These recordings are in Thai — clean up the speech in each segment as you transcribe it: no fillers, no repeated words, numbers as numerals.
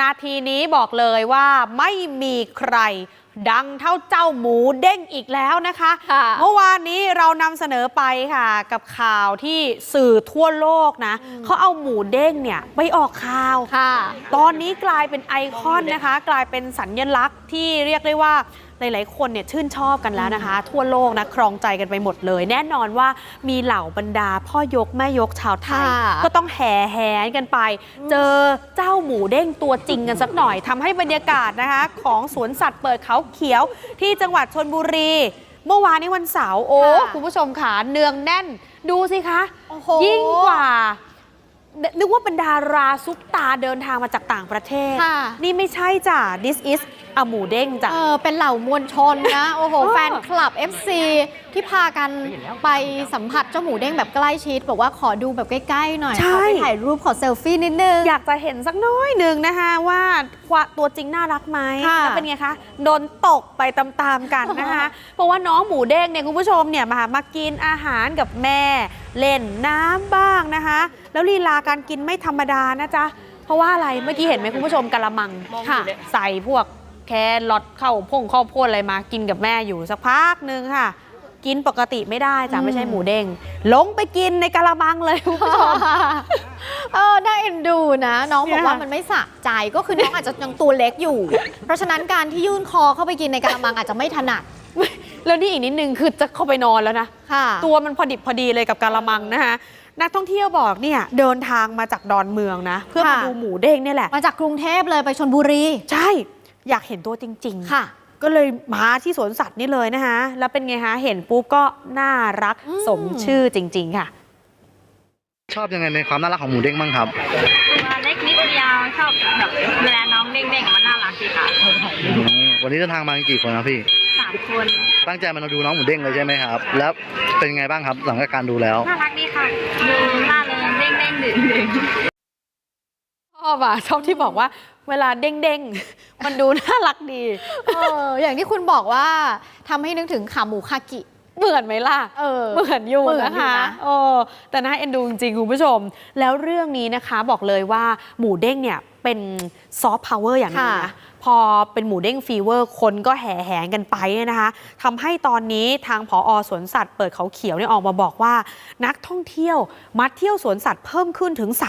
นาทีนี้บอกเลยว่าไม่มีใครดังเท่าเจ้าหมูเด้งอีกแล้วนะคะเมื่อวานนี้เรานำเสนอไปค่ะกับข่าวที่สื่อทั่วโลกนะเขาเอาหมูเด้งเนี่ยไปออกข่าวตอนนี้กลายเป็นไอคอนนะคะกลายเป็นสัญลักษณ์ที่เรียกได้ว่าหลายๆคนเนี่ยชื่นชอบกันแล้วนะคะทั่วโลกนะครองใจกันไปหมดเลยแน่นอนว่ามีเหล่าบรรดาพ่อยกแม่ยกชาวไทยก็ต้องแห่แหนกันไปเจอเจ้าหมูเด้งตัวจริงกันสักหน่อยทำให้บรรยากาศนะคะของสวนสัตว์เปิดเขาเขียวที่จังหวัดชลบุรีเมื่อวานนี้วันเสาร์โอ้คุณผู้ชมขาเนืองแน่นดูสิคะยิ่งกว่านึกว่าเป็นดาราซุปตาเดินทางมาจากต่างประเทศนี่ไม่ใช่จ้ะ This is หมูเด้งจ้ะเป็นเหล่ามวลชนนะโอ้โหแฟนคลับ FC ที่พากันไปสัมผัสเจ้าหมูเด้งแบบใกล้ชิดบอกว่าขอดูแบบใกล้ๆหน่อยขอไปถ่ายรูปขอเซลฟี่นิดนึงอยากจะเห็นสักน้อยหนึ่งนะคะว่าตัวจริงน่ารักไหมแล้วเป็นไงคะโดนตกไปตามๆกันนะคะเพราะว่าน้องหมูเด้งเนี่ยคุณผู้ชมเนี่ยมากินอาหารกับแม่เล่นน้ำบ้างนะคะแล้วลีลาการกินไม่ธรรมดานะจ๊ะเพราะว่าอะไรเมื่อกี้เห็นไหมคุณผู้ชมกะละมังใส่พวกแครอทข้าวโพดอะไรมากินกับแม่อยู่สักพักนึงค่ะกินปกติไม่ได้จ้ะไม่ใช่หมูเด้งลงไปกินในกะละมังเลยคุณผู้ชมน่าเอ็นดูนะน้องบอกว่ามันไม่สะใจก็คือน้องอาจจะยังตัวเล็กอยู่เพราะฉะนั้นการที่ยื่นคอเข้าไปกินในกะละมังอาจจะไม่ถนัดแล้วนี่อีกนิดนึงคือจะเข้าไปนอนแล้วนะตัวมันพอดิบพอดีเลยกับกะละมังนะคะนักท่องเที่ยวบอกเนี่ยเดินทางมาจากดอนเมืองนะเพื่อมาดูหมูเด้งนี่แหละมาจากกรุงเทพเลยไปชลบุรีใช่อยากเห็นตัวจริงๆค่ะก็เลยมาที่สวนสัตว์นี่เลยนะคะแล้วเป็นไงคะเห็นปุ๊บก็น่ารักสมชื่อจริงๆค่ะชอบยังไงในความน่ารักของหมูเด้งบ้างครับตัวเล็กนิดเดียวชอบแบบเวลาน้องเด้งๆมันน่ารักดีค่ะวันนี้เดินทางมากี่คนครับพี่ 3 คนตั้งใจมาดูน้องหมูเด้งเลยใช่ไหมครับแล้วเป็นไงบ้างครับหลังจากการดูแล้วน่ารักดีค่ะดูน่าเริงเด้งๆดึงชอบที่บอกว่าเวลาเด้งๆมันดูน่ารักดีอย่างที่คุณบอกว่าทำให้นึกถึงขาหมูคากิเหมือนไหมล่ะเหมือนอยู่นะคะแต่น่าเอ็นดูจริงๆคุณผู้ชมแล้วเรื่องนี้นะคะบอกเลยว่าหมูเด้งเนี่ยเป็นซอฟต์พาวเวอร์อย่างนึงนะพอเป็นหมูเด้งฟีเวอร์คนก็แห่แหนกันไปนะคะทำให้ตอนนี้ทางผอ.สวนสัตว์เปิดเขาเขียวเนี่ยออกมาบอกว่านักท่องเที่ยวมาเที่ยวสวนสัตว์เพิ่มขึ้นถึง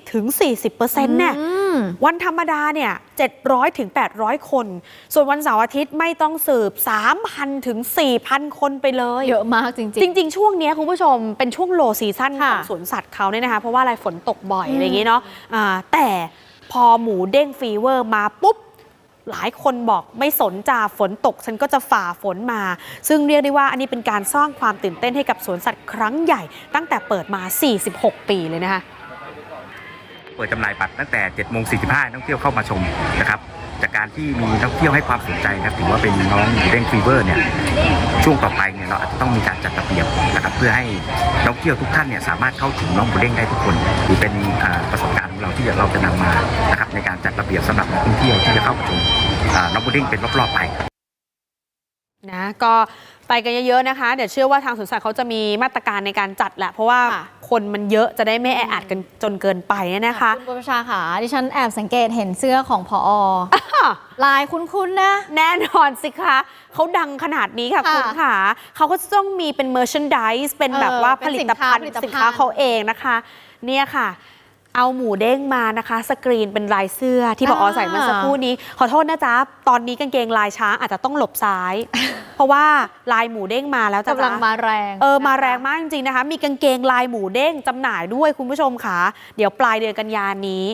30-40% เนี่ยวันธรรมดาเนี่ย700-800 คนส่วนวันเสาร์อาทิตย์ไม่ต้องสืบ 3,000-4,000 คนไปเลยเยอะมากจริงๆช่วงนี้คุณผู้ชมเป็นช่วงโลซีซั่นของสวนสัตว์เขาเนี่ยนะคะเพราะว่าอะไรฝนตกบ่อยอะไรอย่างงี้เนาะแต่พอหมูเด้งฟีเวอร์มาปุ๊บหลายคนบอกไม่สนจ่าฝนตกฉันก็จะฝ่าฝนมาซึ่งเรียกได้ว่าอันนี้เป็นการสร้างความตื่นเต้นให้กับสวนสัตว์ครั้งใหญ่ตั้งแต่เปิดมา46 ปีเลยนะคะเปิดจำหน่ายบัตรตั้งแต่ 7:45 นักท่องเที่ยวเข้ามาชมนะครับจากการที่มีนักท่องเที่ยวให้ความสนใจนะถือว่าเป็นน้องหมูเด้งฟีเวอร์เนี่ยช่วงต่อไปเนี่ยเราอาจจะต้องมีการจัดระเบียบนะครับเพื่อให้นักท่องเที่ยวทุกท่านเนี่ยสามารถเข้าถึงน้องหมูเด้งได้ทุกคนหรือเป็นประสบการณ์ของเราที่เราจะนำมานะครับในการจัดระเบียบสำหรับนักท่องเที่ยวที่จะเข้าชมน้องหมูเด้งเป็นรอบๆไปนะก็ไปกันเยอะๆนะคะเดี๋ยวเชื่อว่าทางสวนสัตว์เขาจะมีมาตรการในการจัดแหละเพราะว่าคนมันเยอะจะได้ไม่แออัดกันจนเกินไปนะคะคุณประชาค่ะดิฉันแอบสังเกตเห็นเสื้อของผอ.ลายคุ้นๆนะแน่นอนสิคะเขาดังขนาดนี้ค่ะคุณค่ะเขาก็ต้องมีเป็น merchandise เป็นแบบว่าผลิตภัณฑ์สินค้าเขาเองนะคะเนี่ยค่ะเอาหมูเด้งมานะคะสกรีนเป็นลายเสื้อที่ผอ.ใส่เมื่อสักครู่นี้ขอโทษนะจ๊ะตอนนี้กางเกงลายช้างอาจจะต้องหลบซ้ายเพราะว่าลายหมูเด้งมาแล้วจ้ะกำลังมาแรงมาแรงมากจริงๆนะคะมีกางเกงลายหมูเด้งจำหน่ายด้วยคุณผู้ชมค่ะเดี๋ยวปลายเดือนกันยายนนี้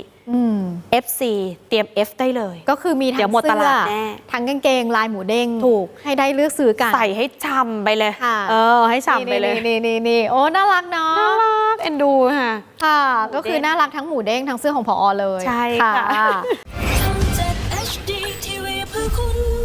FC เตรียม F ได้เลยก็คือมีทั้งเสื้อทั้งกางเกงลายหมูเด้งถูกให้ได้เลือกซื้อกันใส่ให้ช่ำไปเลยให้ช่ำไปเลยนี่โอ้น่ารักเนาะน่ารักเอ็นดูค่ะก็คือน่ารักทั้งหมูเด้งทั้งเสื้อของผอ.เลยใช่ค่ะ